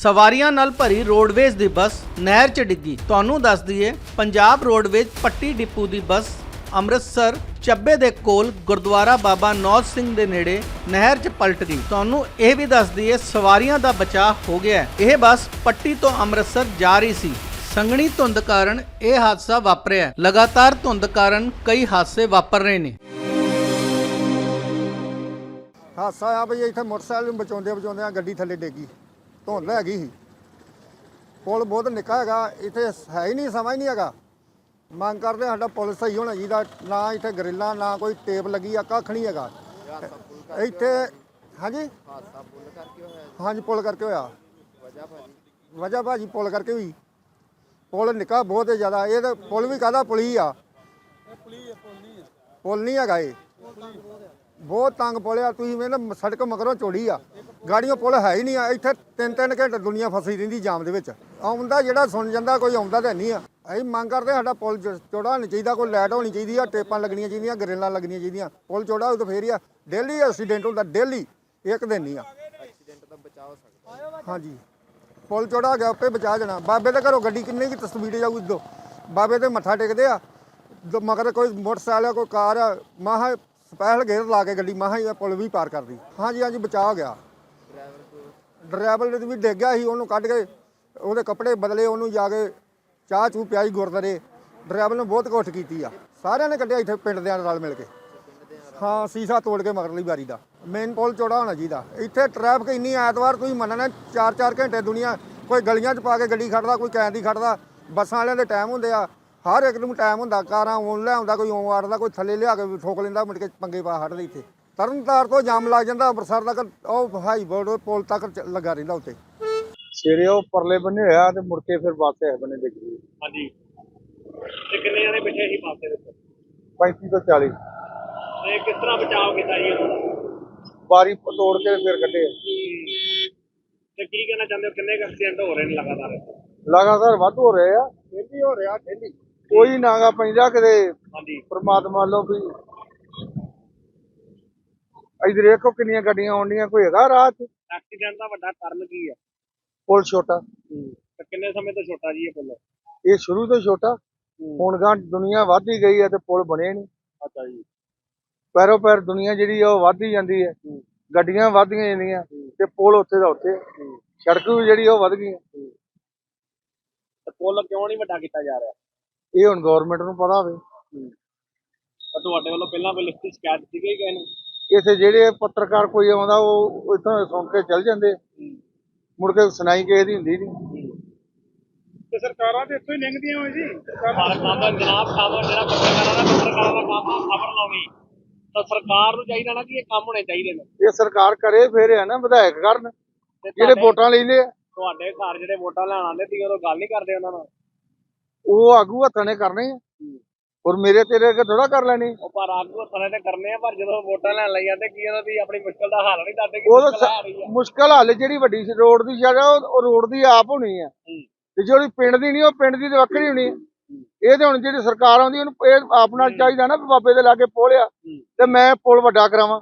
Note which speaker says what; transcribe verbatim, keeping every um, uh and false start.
Speaker 1: ਸਵਾਰੀਆਂ ਨਾਲ ਭਰੀ ਰੋਡਵੇਜ਼ ਦੀ ਬੱਸ ਨਹਿਰ 'ਚ ਡਿੱਗੀ। ਤੁਹਾਨੂੰ ਦੱਸ ਦਈਏ, ਪੰਜਾਬ ਰੋਡਵੇਜ਼ ਪੱਟੀ ਡਿਪੂ ਦੀ ਬੱਸ ਅੰਮ੍ਰਿਤਸਰ ਚੱਬੇ ਦੇ ਕੋਲ ਗੁਰਦੁਆਰਾ ਬਾਬਾ ਨੌਜ ਸਿੰਘ ਦੇ ਨੇੜੇ ਨਹਿਰ 'ਚ ਪਲਟ ਗਈ। ਤੁਹਾਨੂੰ ਇਹ ਵੀ ਦੱਸ ਦਈਏ, ਸਵਾਰੀਆਂ ਦਾ ਬਚਾਅ ਹੋ ਗਿਆ ਹੈ। ਇਹ ਬੱਸ ਪੱਟੀ ਤੋਂ ਅੰਮ੍ਰਿਤਸਰ ਜਾ ਰਹੀ ਸੀ। ਸੰਘਣੀ ਧੁੰਦ ਕਾਰਨ ਇਹ ਹਾਦਸਾ ਵਾਪਰਿਆ। ਲਗਾਤਾਰ ਧੁੰਦ ਕਾਰਨ ਕਈ ਹਾਦਸੇ ਵਾਪਰ ਰਹੇ ਨੇ।
Speaker 2: ਹਾਦਸਾ ਆ ਬਈ ਇੱਥੇ ਮੋਟਰਸਾਈਕਲ ਨੂੰ ਬਚਾਉਂਦੇ ਬਚਾਉਂਦੇ ਗੱਡੀ ਥੱਲੇ ਡੇਗੀ। ਧੁੰਦ ਹੈਗੀ ਸੀ। ਪੁਲ ਬਹੁਤ ਨਿੱਕਾ ਹੈਗਾ, ਇੱਥੇ ਹੈ ਹੀ ਨਹੀਂ, ਸਮਾਂ ਹੀ ਨਹੀਂ ਹੈਗਾ। ਮੰਗ ਕਰਦੇ ਸਾਡਾ ਪੁਲ ਸਹੀ ਹੋਣਾ ਚਾਹੀਦਾ। ਨਾ ਇੱਥੇ ਗਰਿੱਲਾਂ, ਨਾ ਕੋਈ ਟੇਪ ਲੱਗੀ ਆ, ਕੱਖ ਨਹੀਂ ਹੈਗਾ ਇੱਥੇ। ਹਾਂਜੀ ਹਾਂਜੀ ਪੁਲ ਕਰਕੇ ਹੋਇਆ। ਵਜ੍ਹਾ ਭਾਜੀ ਪੁਲ ਕਰਕੇ ਹੋਈ। ਪੁਲ ਨਿੱਕਾ ਬਹੁਤ ਜ਼ਿਆਦਾ। ਇਹ ਤਾਂ ਪੁਲ ਵੀ ਕਾਹਦਾ ਪੁਲੀ ਆ, ਪੁਲ ਨਹੀਂ ਹੈਗਾ। ਇਹ ਬਹੁਤ ਤੰਗ ਪੁਲ ਆ। ਤੁਸੀਂ ਵੇਖ ਸੜਕ ਮਗਰੋਂ ਚੌੜੀ ਆ, ਗਾੜੀਆਂ ਪੁਲ ਹੈ ਹੀ ਨਹੀਂ ਆ। ਇੱਥੇ ਤਿੰਨ ਤਿੰਨ ਘੰਟੇ ਦੁਨੀਆ ਫਸੀ ਰਹਿੰਦੀ ਜਾਮ ਦੇ ਵਿੱਚ। ਆਉਂਦਾ ਜਿਹੜਾ ਸੁਣ ਜਾਂਦਾ, ਕੋਈ ਆਉਂਦਾ ਤਾਂ ਨਹੀਂ ਆ। ਅਸੀਂ ਮੰਗ ਕਰਦੇ ਸਾਡਾ ਪੁਲ ਚੌੜਾ ਹੋਣਾ ਚਾਹੀਦਾ, ਕੋਈ ਲਾਈਟ ਹੋਣੀ ਚਾਹੀਦੀ ਆ, ਟੇਪਾਂ ਲੱਗਣੀਆਂ ਚਾਹੀਦੀਆਂ, ਗਰਿੱਲਾਂ ਲੱਗਣੀਆਂ ਚਾਹੀਦੀਆਂ। ਪੁਲ ਚੌੜਾ ਹੋਊ ਤਾਂ ਫੇਰ ਹੀ ਆ। ਡੇਲੀ ਐਕਸੀਡੈਂਟ ਹੁੰਦਾ, ਡੇਲੀ, ਇੱਕ ਦਿਨ ਨਹੀਂ ਆ।
Speaker 3: ਐਕਸੀਡੈਂਟ ਦਾ ਬਚਾਅ ਹੋ ਸਕਦਾ।
Speaker 2: ਹਾਂਜੀ ਪੁਲ ਚੌੜਾ ਹੋ ਗਿਆ, ਆਪੇ ਬਚਾ ਜਾਣਾ। ਬਾਬੇ ਦੇ ਘਰੋਂ ਗੱਡੀ ਕਿੰਨੀ ਕੀ ਤਸਵੀਰ ਜਾਊਗੀ। ਦੋ ਬਾਬੇ ਤੇ ਮੱਥਾ ਟੇਕਦੇ ਆ, ਮਗਰ ਕੋਈ ਮੋਟਰਸਾਈਕਲ ਆ, ਕੋਈ ਕਾਰ ਆ, ਮਾਹਾ ਸਪੈਸ਼ਲ ਗੇਅਰ ਲਾ ਕੇ ਗੱਡੀ ਮਾਹਾ ਹੀ ਪੁਲ ਵੀ ਪਾਰ ਕਰਦੀ। ਹਾਂਜੀ ਹਾਂਜੀ ਬਚਾਅ ਹੋ ਗਿਆ। ਡਰਾਈਵਰ ਵੀ ਡਿੱਗ ਗਿਆ ਸੀ, ਉਹਨੂੰ ਕੱਢ ਕੇ ਉਹਦੇ ਕੱਪੜੇ ਬਦਲੇ, ਉਹਨੂੰ ਜਾ ਕੇ ਚਾਹ ਚੂਹ ਪਿਆਈ ਗੁਰਦਾਰੇ। ਡਰਾਈਵਰ ਨੇ ਬਹੁਤ ਕੋਸ਼ਿਸ਼ ਕੀਤੀ ਆ, ਸਾਰਿਆਂ ਨੇ ਕੱਢਿਆ ਇੱਥੇ ਪਿੰਡ ਦੇ ਨਾਲ ਮਿਲ ਕੇ। ਹਾਂ ਸੀਸਾ ਤੋੜ ਕੇ ਮਗਰਲੀ ਵਾਰੀ ਦਾ। ਮੇਨ ਪੁਲ ਚੌੜਾ ਹੋਣਾ ਚਾਹੀਦਾ। ਇੱਥੇ ਟ੍ਰੈਫਿਕ ਇੰਨੀ, ਐਤਵਾਰ ਤੁਸੀਂ ਮੰਨਣਾ ਚਾਰ ਚਾਰ ਘੰਟੇ ਦੁਨੀਆ ਕੋਈ ਗਲੀਆਂ 'ਚ ਪਾ ਕੇ ਗੱਡੀ ਖੜਦਾ, ਕੋਈ ਕੈਂ ਦੀ ਖੜਦਾ। ਬੱਸਾਂ ਵਾਲਿਆਂ ਦੇ ਟਾਈਮ ਹੁੰਦੇ ਆ, ਹਰ ਇੱਕ ਨੂੰ ਟਾਈਮ ਹੁੰਦਾ। ਕਾਰਾਂ ਓਨ ਲੈ ਆਉਂਦਾ, ਕੋਈ ਓਂ ਆੜਦਾ, ਕੋਈ ਥੱਲੇ ਲਿਆ ਕੇ ਠੋਕ ਲੈਂਦਾ, ਮੁੜ ਕੇ ਪੰਗੇ ਪਾ ਹਟਦੇ। ਇੱਥੇ ਤਰਨਤਾਰ ਤੋਂ ਜਾਮ ਲੱਗ ਜਾਂਦਾ, ਅੰਮ੍ਰਿਤਸਰ ਤੱਕ ਉਹ ਹਾਈ ਬੋਰਡ ਪੁਲ ਤੱਕ ਲੱਗਾ ਰਹਿੰਦਾ। ਉੱਤੇ
Speaker 4: ਸਵੇਰੇ ਉਹ ਪਰਲੇ ਬੰਨੇ ਹੋਇਆ ਤੇ ਮੁੜ ਕੇ ਫਿਰ ਬੱਸ ਇਸ ਬੰਨੇ ਡਿੱਗ ਗਈ।
Speaker 3: ਹਾਂਜੀ ਤੇ ਕਿੰਨੇ ਜਣੇ ਬੈਠੇ ਸੀ ਬੱਸ ਦੇ ਵਿੱਚ?
Speaker 4: ਪੈਂਤੀ ਤੋਂ ਚਾਲੀ।
Speaker 3: ਤੇ ਕਿਸ ਤਰ੍ਹਾਂ ਬਚਾਅ ਕੀਤਾ ਜੀ ਉਹਨਾਂ ਦਾ?
Speaker 4: ਬਾਰੀ ਤੋੜ ਕੇ ਫਿਰ ਕੱਢੇ।
Speaker 3: ਤੇ ਕੀ ਕਹਿਣਾ ਚਾਹੁੰਦੇ ਹੋ, ਕਿੰਨੇ ਐਕਸੀਡੈਂਟ ਹੋ ਰਹੇ ਨੇ ਲਗਾਤਾਰ?
Speaker 4: ਲਗਾਤਾਰ ਵੱਧ ਹੋ ਰਹੇ ਆ,
Speaker 2: ਡੇਲੀ ਹੋ ਰਿਹਾ, ਡੇਲੀ।
Speaker 4: ਕੋਈ ਨਾਗਾ ਪੈਂਦਾ ਕਿਤੇ।
Speaker 3: ਹਾਂਜੀ
Speaker 4: ਪਰਮਾਤਮਾ ਲੋ ਵੀ ਇਧਰ ਦੇਖੋ ਕਿੰਨੀਆਂ ਗੱਡੀਆਂ ਆਉਂਦੀਆਂ, ਕੋਈ ਹੈਗਾ ਰਾਹ 'ਚ।
Speaker 3: ਐਕਸੀਡੈਂਟ ਦਾ ਵੱਡਾ ਕਾਰਨ ਕੀ ਹੈ?
Speaker 4: ਪੁਲ ਛੋਟਾ।
Speaker 3: ਤੇ ਕਿੰਨੇ ਸਮੇਂ ਤੋਂ ਛੋਟਾ ਜੀ ਇਹ ਪੁਲ?
Speaker 4: ਇਹ ਸ਼ੁਰੂ ਤੋਂ ਛੋਟਾ, ਹੁਣ ਗਾਂ ਦੁਨੀਆ ਵੱਧ ਹੀ ਗਈ ਹੈ ਤੇ ਪੁਲ ਬਣੇ ਨਹੀਂ।
Speaker 3: ਅੱਛਾ ਜੀ।
Speaker 4: ਪੈਰੋ ਪੈਰ ਦੁਨੀਆ ਜਿਹੜੀ ਆ ਉਹ ਵੱਧ ਹੀ ਜਾਂਦੀ ਹੈ, ਗੱਡੀਆਂ ਵੱਧਦੀਆਂ ਜਾਂਦੀਆਂ ਤੇ ਪੁਲ ਉੱਥੇ ਦਾ ਉੱਥੇ। ਸੜਕ ਵੀ ਜਿਹੜੀ ਉਹ ਵੱਧ ਗਈ।
Speaker 3: ਤੇ ਪੁਲ ਕਿਉਂ ਨਹੀਂ ਵੱਡਾ ਕੀਤਾ ਜਾ ਰਿਹਾ?
Speaker 4: ਇਹ ਹੁਣ ਗਵਰਨਮੈਂਟ ਨੂੰ ਪਤਾ ਹੋਵੇ।
Speaker 3: ਤਾਂ ਤੁਹਾਡੇ ਵੱਲੋਂ ਪਹਿਲਾਂ ਕੋਈ ਲਿਖਤੀ ਸ਼ਿਕਾਇਤ ਸੀਗੀ ਕਿ ਇਹਨੂੰ?
Speaker 4: ਇੱਥੇ ਜਿਹੜੇ ਪੱਤਰਕਾਰ ਕੋਈ ਆਉਂਦਾ ਉਹ ਇੱਥੋਂ ਸੁਣ ਕੇ ਚੱਲ ਜਾਂਦੇ, ਮੁੜ ਕੇ ਸੁਣਾਈ ਕਿਸੇ ਦੀ ਹੁੰਦੀ ਨਹੀਂ।
Speaker 3: ਤੇ ਸਰਕਾਰਾਂ ਤੇ ਇੱਥੋਂ ਹੀ ਲੰਘਦੀਆਂ ਹੋਏ ਜੀ। ਸਰਕਾਰਾਂ ਦਾ ਜਨਾਬ ਕੰਮ ਜਿਹੜਾ ਪੱਤਰਕਾਰਾਂ ਦਾ ਪੱਤਰਕਾਰਾਂ ਦਾ ਕੰਮ ਆ ਖਬਰ ਲਾਉਣੀ। ਤਾਂ ਸਰਕਾਰ ਨੂੰ ਚਾਹੀਦਾ ਨਾ ਕਿ ਇਹ ਕੰਮ ਹੋਣੇ ਚਾਹੀਦੇ ਨੇ।
Speaker 4: ਇਹ ਸਰਕਾਰ ਕਰੇ ਫਿਰ ਹੈ ਨਾ, ਵਿਧਾਇਕ ਕਰਨ ਜਿਹੜੇ ਵੋਟਾਂ ਲੈਂਦੇ ਆ।
Speaker 3: ਤੁਹਾਡੇ ਘਰ ਜਿਹੜੇ ਵੋਟਾਂ ਲੈਣ ਆਉਂਦੇ ਸੀ ਉਦੋਂ ਗੱਲ ਨਹੀਂ ਕਰਦੇ ਉਹਨਾਂ ਨਾਲ?
Speaker 4: ਉਹ ਆਗੂ ਹੱਥਾਂ ਨੇ ਕਰਨੇ ਆ, ਔਰ ਮੇਰੇ ਤੇਰੇ ਅੱਗੇ ਥੋੜਾ ਕਰ ਲੈਣੀ।
Speaker 3: ਉਹ ਪਰ ਆਗੂ ਹੱਥਾਂ ਨੇ ਕਰਨੇ ਆ, ਪਰ ਜਦੋਂ ਵੋਟਾਂ ਲੈਣ ਲਈ ਜਾਂਦੇ ਕੀ ਉਹਨਾਂ ਦੀ ਆਪਣੀ ਮੁਸ਼ਕਲ ਦਾ ਹੱਲ ਨਹੀਂ ਦੱਸਦੇ ਕਿ ਮੁਸ਼ਕਲ ਆ ਰਹੀ ਹੈ।
Speaker 4: ਮੁਸ਼ਕਲ ਹੱਲ ਜਿਹੜੀ ਵੱਡੀ ਰੋਡ ਦੀ ਜਗ੍ਹਾ ਉਹ ਰੋਡ ਦੀ ਆਪ ਹੋਣੀ ਆ, ਤੇ ਜਿਹੜੀ ਪਿੰਡ ਦੀ ਨਹੀਂ ਉਹ ਪਿੰਡ ਦੀ ਤੇ ਵੱਖਰੀ ਹੋਣੀ ਆ। ਇਹ ਤੇ ਹੁਣ ਜਿਹੜੀ ਸਰਕਾਰ ਆਉਂਦੀ ਉਹਨੂੰ ਇਹ ਆਪ ਨਾਲ ਚਾਹੀਦਾ ਨਾ, ਬਾਬੇ ਦੇ ਲਾਗੇ ਪੁਲ ਆ ਤੇ ਮੈਂ ਪੁਲ ਵੱਡਾ ਕਰਾਵਾਂ।